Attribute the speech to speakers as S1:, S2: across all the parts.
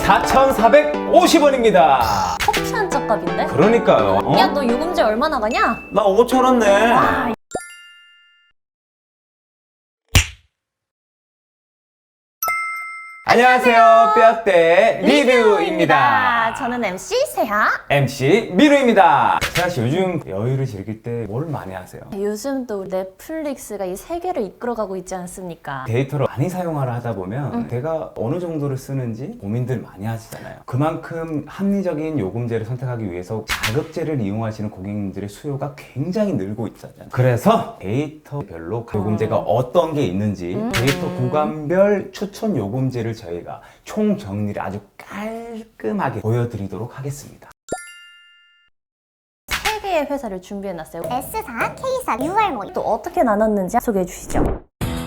S1: 4,450원입니다.
S2: 커피 한 잔 값인데?
S1: 그러니까요.
S2: 야, 너 요금제 얼마 나가냐?
S1: 나 5,000원 내.
S2: 와,
S1: 안녕하세요. 뼈대 리뷰입니다.
S2: 저는 MC 세하.
S1: MC 미루입니다. 세아씨 요즘 여유를 즐길 때 뭘 많이 하세요?
S2: 요즘 또 넷플릭스가 이 세계를 이끌어가고 있지 않습니까?
S1: 데이터를 많이 사용하려 하다 보면 내가 어느 정도를 쓰는지 고민들 많이 하시잖아요. 그만큼 합리적인 요금제를 선택하기 위해서 자급제를 이용하시는 고객님들의 수요가 굉장히 늘고 있잖아요. 그래서 데이터별로 요금제가 어떤 게 있는지 데이터 구간별 추천 요금제를 저희가 총 정리를 아주 깔끔하게 보여드리도록 하겠습니다.
S2: 세 개의 회사를 준비해놨어요.
S3: S사, K사, UR
S2: 또 어떻게 나눴는지 소개해 주시죠.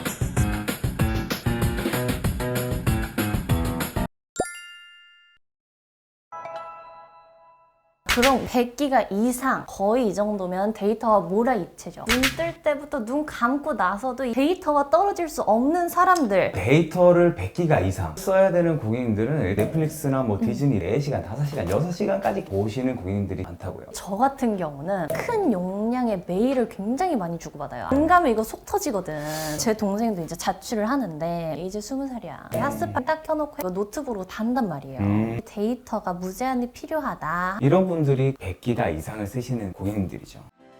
S2: 그럼 100기가 이상 거의 이 정도면 데이터가 몰아입체죠. 눈 뜰 때부터 눈 감고 나서도 이 데이터가 떨어질 수 없는 사람들.
S1: 데이터를 100기가 이상 써야 되는 고객님들은 넷플릭스나 뭐 디즈니 4시간, 5시간, 6시간까지 보시는 고객님들이 많다고요.
S2: 저 같은 경우는 큰 용량의 메일을 굉장히 많이 주고받아요. 안 가면 이거 속 터지거든. 제 동생도 이제 자취를 하는데 이제 20살이야. 핫스팟 딱 켜놓고 이거 노트북으로 단단 말이에요. 데이터가 무제한이 필요하다.
S1: 이런 분들이 100기가 이상을 쓰시는 고객님들이죠.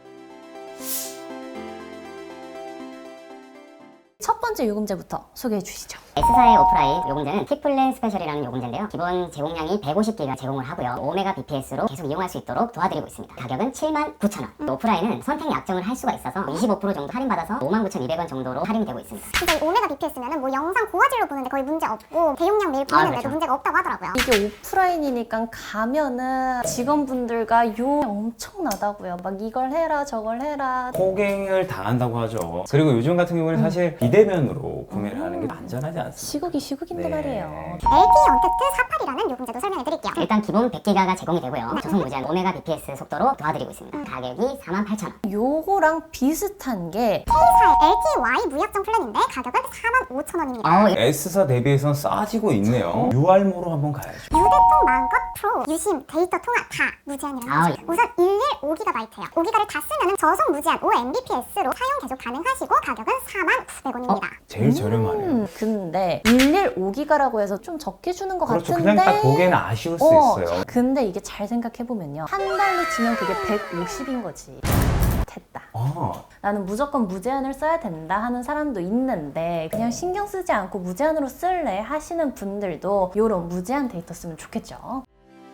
S2: 첫 번째 요금제부터 소개해 주시죠.
S3: S사의 오프라인 요금제는 T플랜 스페셜이라는 요금제인데요. 기본 제공량이 150기가 제공을 하고요. 5Mbps로 계속 이용할 수 있도록 도와드리고 있습니다. 가격은 79,000원. 오프라인은 선택 약정을 할 수가 있어서 25% 정도 할인받아서 59,200원 정도로 할인이 되고 있습니다.
S4: 진짜 이 5Mbps면은 뭐 영상 고화질로 보는데 거의 문제 없고 대용량 메일 보내는데도
S3: 그렇죠.
S4: 문제가 없다고 하더라고요.
S2: 이게 오프라인이니까 가면은 직원분들과 용 엄청나다고요. 막 이걸 해라 저걸 해라.
S1: 호갱을 당한다고 하죠. 그리고 요즘 같은 경우는 사실 비대면으로 구매를 하는 게 안전하지 않습니다.
S2: 시국이 시국인데
S1: 네.
S2: 말이에요.
S4: LTE 언택트 48이라는 요금제도 설명해 드릴게요.
S3: 일단 기본 100기가가 제공이 되고요. 저속 무제한 5Mbps 속도로 도와드리고 있습니다. 가격이 48,000원.
S2: 요거랑 비슷한 게
S4: K사의 LTY 무약정 플랜인데 가격은 45,000원입니다.
S1: S사 대비해서는 싸지고 있네요. UR모로 한번 가야죠.
S4: 유대통 마음껏 프로, 유심, 데이터 통화 다 무제한이라는
S3: 아,
S4: 거죠. 우선 115GB예요. 5기가를 다 쓰면은 저속 무제한 5Mbps로 사용 계속 가능하시고 가격은 49,900원입니다.
S1: 제일 저렴하네요.
S2: 근데 115기가라고 해서 좀 적게 주는 것
S1: 그렇죠.
S2: 같은데
S1: 그냥 딱 보기에는 아쉬울 수 있어요.
S2: 근데 이게 잘 생각해보면요. 한 달로 치면 그게 150인 거지. 됐다. 나는 무조건 무제한을 써야 된다 하는 사람도 있는데 그냥 신경 쓰지 않고 무제한으로 쓸래 하시는 분들도 이런 무제한 데이터 쓰면 좋겠죠.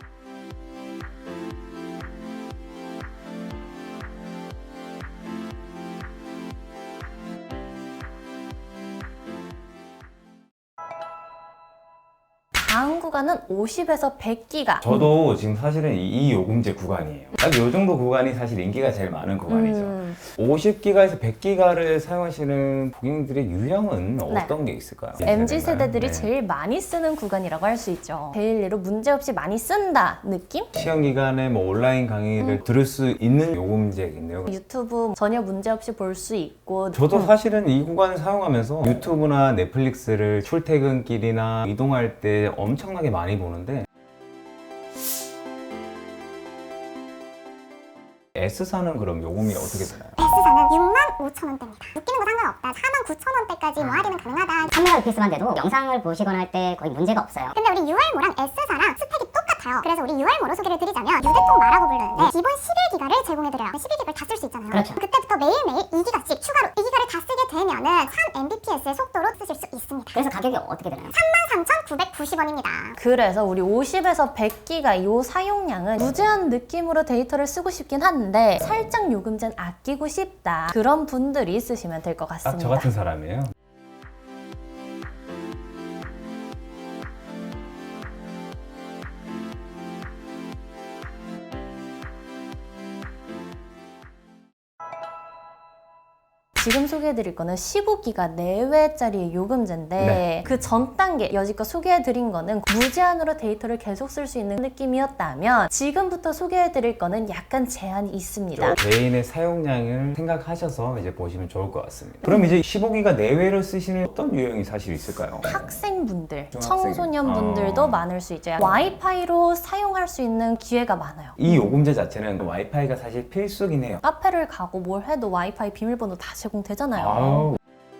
S2: 다음 구간은 50에서 100기가.
S1: 저도 지금 사실은 이 요금제 구간이에요. 딱 요 정도 구간이 사실 인기가 제일 많은 구간이죠. 50기가에서 100기가를 사용하시는 고객님들의 유형은 어떤 게 있을까요?
S2: MZ 세대들이
S1: 네.
S2: 제일 많이 쓰는 구간이라고 할 수 있죠. 데일리로 문제없이 많이 쓴다 느낌?
S1: 시험 기간에 뭐 온라인 강의를 들을 수 있는 요금제겠네요.
S2: 유튜브 전혀 문제없이 볼 수 있고
S1: 저도 사실은 이 구간을 사용하면서 유튜브나 넷플릭스를 출퇴근길이나 이동할 때 엄청나게 많이 보는데 S사는 그럼 요금이 어떻게 되나요?
S4: S사는 65,000원대입니다. 웃기는 거 상관없다. 49,000원대까지 뭐 할인은 가능하다.
S3: 3Mbps만 돼도 영상을 보시거나 할 때 거의 문제가 없어요.
S4: 근데 우리 UR모랑 S사랑 스펙이 똑같아요. 그래서 우리 UR모로 소개를 드리자면 유대통 마라고 부르는데 기본 11기가를 제공해드려요. 11기가를 다 쓸 수 있잖아요.
S3: 그렇죠.
S4: 그때부터 매일매일 2기가씩 추가로 2기가를 다 쓰게 되면은 3Mbps의 속도로 쓰실 수 있습니다.
S3: 그래서 가격이 어떻게 되나요?
S4: 33,990원입니다.
S2: 그래서 우리 50에서 100기가 이 사용량은 무제한 느낌으로 데이터를 쓰고 싶긴 한데 살짝 요금제는 아끼고 싶다 그런 분들이 쓰시면 될 것
S1: 딱
S2: 같습니다.
S1: 저 같은 사람이에요.
S2: 지금 소개해드릴 거는 15기가 내외짜리 요금제인데
S1: 네.
S2: 그 전 단계 여지껏 소개해드린 거는 무제한으로 데이터를 계속 쓸 수 있는 느낌이었다면 지금부터 소개해드릴 거는 약간 제한이 있습니다.
S1: 개인의 사용량을 생각하셔서 이제 보시면 좋을 것 같습니다. 그럼 이제 15기가 내외로 쓰시는 어떤 유형이 사실 있을까요?
S2: 학생분들,
S1: 중학생.
S2: 청소년분들도 많을 수 있죠. 와이파이로 사용할 수 있는 기회가 많아요.
S1: 이 요금제 자체는 와이파이가 사실 필수긴 해요.
S2: 카페를 가고 뭘 해도 와이파이 비밀번호 다 제공되잖아요.
S1: 아우,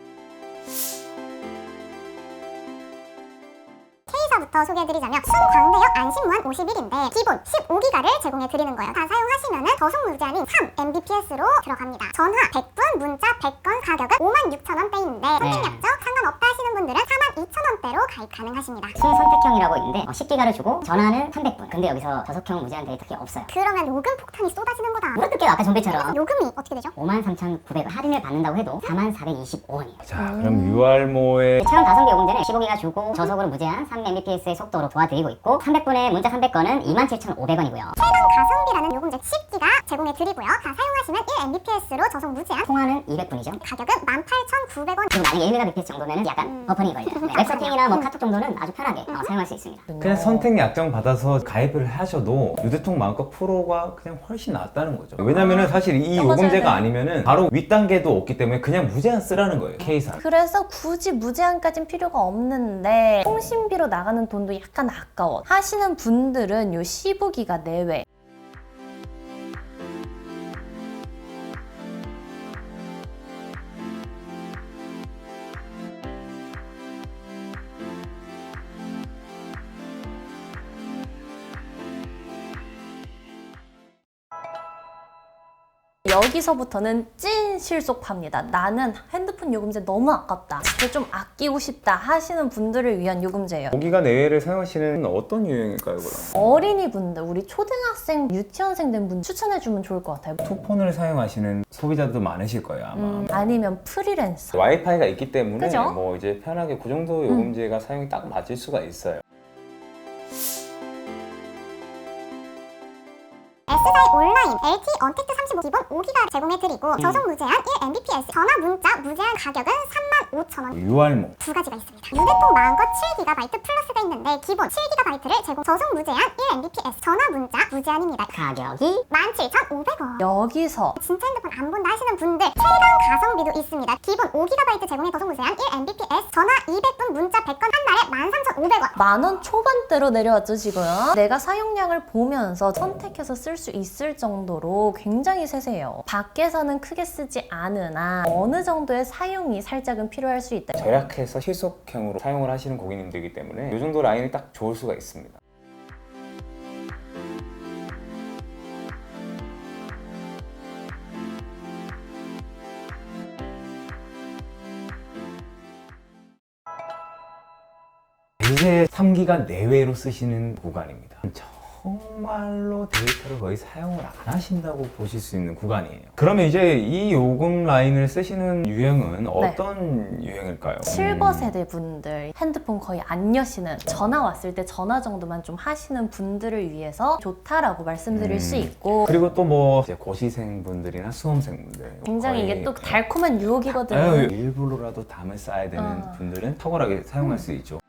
S4: K사부터 소개해드리자면 순광대역 안심무한 51인데 기본 15기가를 제공해드리는 거예요. 다 사용하시면은 저속 무제한인 3mbps로 들어갑니다. 전화 100분, 문자 100건 가격은 56,000원대인데 선택약정 상관없다 하시는 분들은 42,000원대로 가입 가능하십니다.
S3: 순선택형이라고 있는데 10기가를 주고 전화는 300분. 근데 여기서 저속형 무제한 데이터가 없어요.
S4: 그러면 요금 폭탄이 쏟아지는 거다.
S3: 물어뜯게요 아까 좀비처럼.
S4: 요금이 어떻게 되죠?
S3: 53,900원 할인을 받는다고 해도 4425원이에요.
S1: 자, 그럼 유알모의
S3: 최근 가성비 요금제는 15기가 주고 저속으로 무제한 3mbps의 속도로 도와드리고 있고 300분의 문자 300건은 27,500원이고요.
S4: 최강 가성비라는 요금제 10기가 제공해드리고요. 다 사용하시면 1mbps로 저속 무제한
S3: 통화는 200분이죠.
S4: 가격은 18,900원.
S3: 그리고 나중에 1mbps 정도면 약간 버퍼링이 걸려요. 네, 웹서핑이나 뭐 카톡 정도는 아주 편하게 사용할 수 있습니다.
S1: 그냥 선택 약정 받아서 가입을 하셔도 유대통 마음껏 프로가 그냥 훨씬 낫다는 거죠. 왜냐면은 사실 이
S2: 맞아요.
S1: 요금제가 아니면은 바로 윗단계도 없기 때문에 그냥 무제한 쓰라는 거예요. K사.
S2: 그래서 굳이 무제한까진 필요가 없는데 통신비로 나가는 돈도 약간 아까워 하시는 분들은 요 15기가 내외 여기서부터는 찐 실속파입니다. 나는 핸드폰 요금제 너무 아깝다. 진짜 좀 아끼고 싶다 하시는 분들을 위한 요금제예요.
S1: 5기가 내외를 사용하시는 어떤 유형일까요, 그럼?
S2: 어린이분들, 우리 초등학생, 유치원생 된 분 추천해주면 좋을 것 같아요.
S1: 투폰을 사용하시는 소비자도 많으실 거예요, 아마.
S2: 아니면 프리랜서.
S1: 와이파이가 있기 때문에
S2: 그죠?
S1: 뭐 이제 편하게 그 정도 요금제가 사용이 딱 맞을 수가 있어요.
S4: S사의 온라인 LTE 언택트 35 기본 5기가 제공해드리고 저속 무제한 1mbps 전화 문자 무제한 가격은 35,000원.
S1: 유알모.
S4: 두 가지가 있습니다. 유대통 마음껏 7GB 플러스가 있는데 기본 7GB를 제공 저속 무제한 1mbps 전화 문자 무제한입니다.
S3: 가격이
S4: 17,500원.
S2: 여기서
S4: 진짜 핸드폰 안 본다 하시는 분들 최강 가성비도 있습니다. 기본 5GB 제공의 저속 무제한 1mbps 전화 200분 문자 100건 한 달에 13,500원.
S2: 10,000원 초반대로 내려왔죠 지금. 내가 사용량을 보면서 선택해서 쓸 수 있을 정도로 굉장히 세세해요. 밖에서는 크게 쓰지 않으나 어느 정도의 사용이 살짝은 필요할 수 있다.
S1: 절약해서 실속형으로 사용을 하시는 고객님들이기 때문에 이 정도 라인이 딱 좋을 수가 있습니다. 이제 3기가 내외로 쓰시는 구간입니다. 정말로 데이터를 거의 사용을 안 하신다고 보실 수 있는 구간이에요. 그러면 이제 이 요금 라인을 쓰시는 유형은 어떤 유형일까요?
S2: 실버 세대 분들 핸드폰 거의 안 여시는 전화 왔을 때 전화 정도만 좀 하시는 분들을 위해서 좋다라고 말씀드릴 수 있고
S1: 그리고 또 뭐 고시생 분들이나 수험생 분들
S2: 굉장히
S1: 거의
S2: 이게 또 달콤한 유혹이거든요.
S1: 일부러라도 담을 쌓아야 되는 분들은 탁월하게 사용할 수 있죠.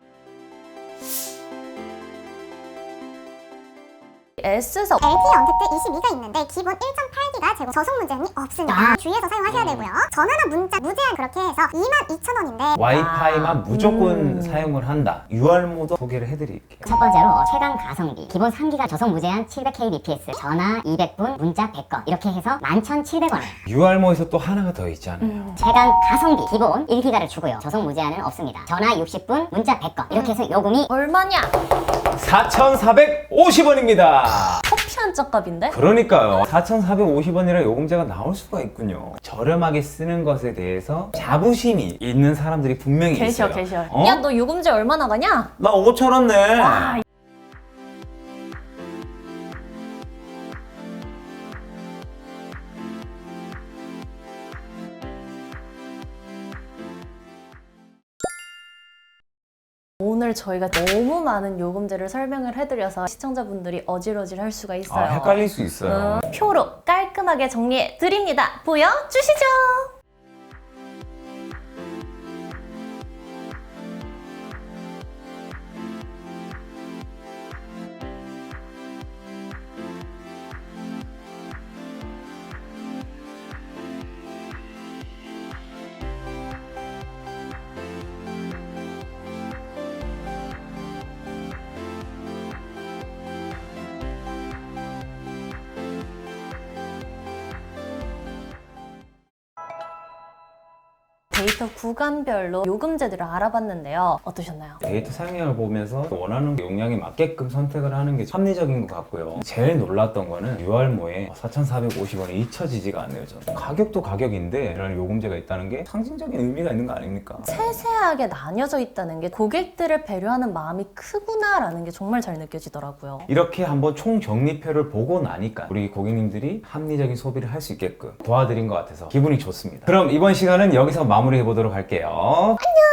S2: S사
S4: LTE 언택트 22가 있는데 기본 1.8기가 제공 저속 무제한이 없습니다. 주의해서 사용하셔야 되고요. 전화나 문자 무제한 그렇게 해서 22,000원인데
S1: 와이파이만 무조건 사용을 한다. 유알모도 소개를 해드릴게요.
S3: 첫 번째로 최강 가성비 기본 3기가 저속 무제한 700kbps 전화 200분 문자 100건 이렇게 해서 11,700원에
S1: 유알모에서 또 하나가 더 있잖아요.
S3: 최강 가성비 기본 1기가를 주고요 저속 무제한은 없습니다 전화 60분 문자 100건 이렇게 해서 요금이
S2: 얼마냐?
S1: 4,450원입니다.
S2: 커피 한 잔 값인데?
S1: 그러니까요. 4,450원이라 요금제가 나올 수가 있군요. 저렴하게 쓰는 것에 대해서 자부심이 있는 사람들이 분명히 있어요.
S2: 계셔.
S1: 어?
S2: 야, 너 요금제 얼마 나가냐?
S1: 나 5,000원 내.
S2: 와, 오늘 저희가 너무 많은 요금제를 설명을 해드려서 시청자분들이 어질어질 할 수가 있어요.
S1: 헷갈릴 수 있어요.
S2: 표로 깔끔하게 정리해 드립니다. 보여주시죠. 데이터 구간별로 요금제들을 알아봤는데요. 어떠셨나요?
S1: 데이터 사용량을 보면서 원하는 용량에 맞게끔 선택을 하는 게 합리적인 것 같고요. 제일 놀랐던 거는 유알모에 4,450원이 잊혀지지가 않네요. 저는. 가격도 가격인데 이런 요금제가 있다는 게 상징적인 의미가 있는 거 아닙니까?
S2: 세세하게 나뉘어져 있다는 게 고객들을 배려하는 마음이 크구나라는 게 정말 잘 느껴지더라고요.
S1: 이렇게 한번 총 정리표를 보고 나니까 우리 고객님들이 합리적인 소비를 할 수 있게끔 도와드린 것 같아서 기분이 좋습니다. 그럼 이번 시간은 여기서 마무리해 보도록 할게요. 안녕!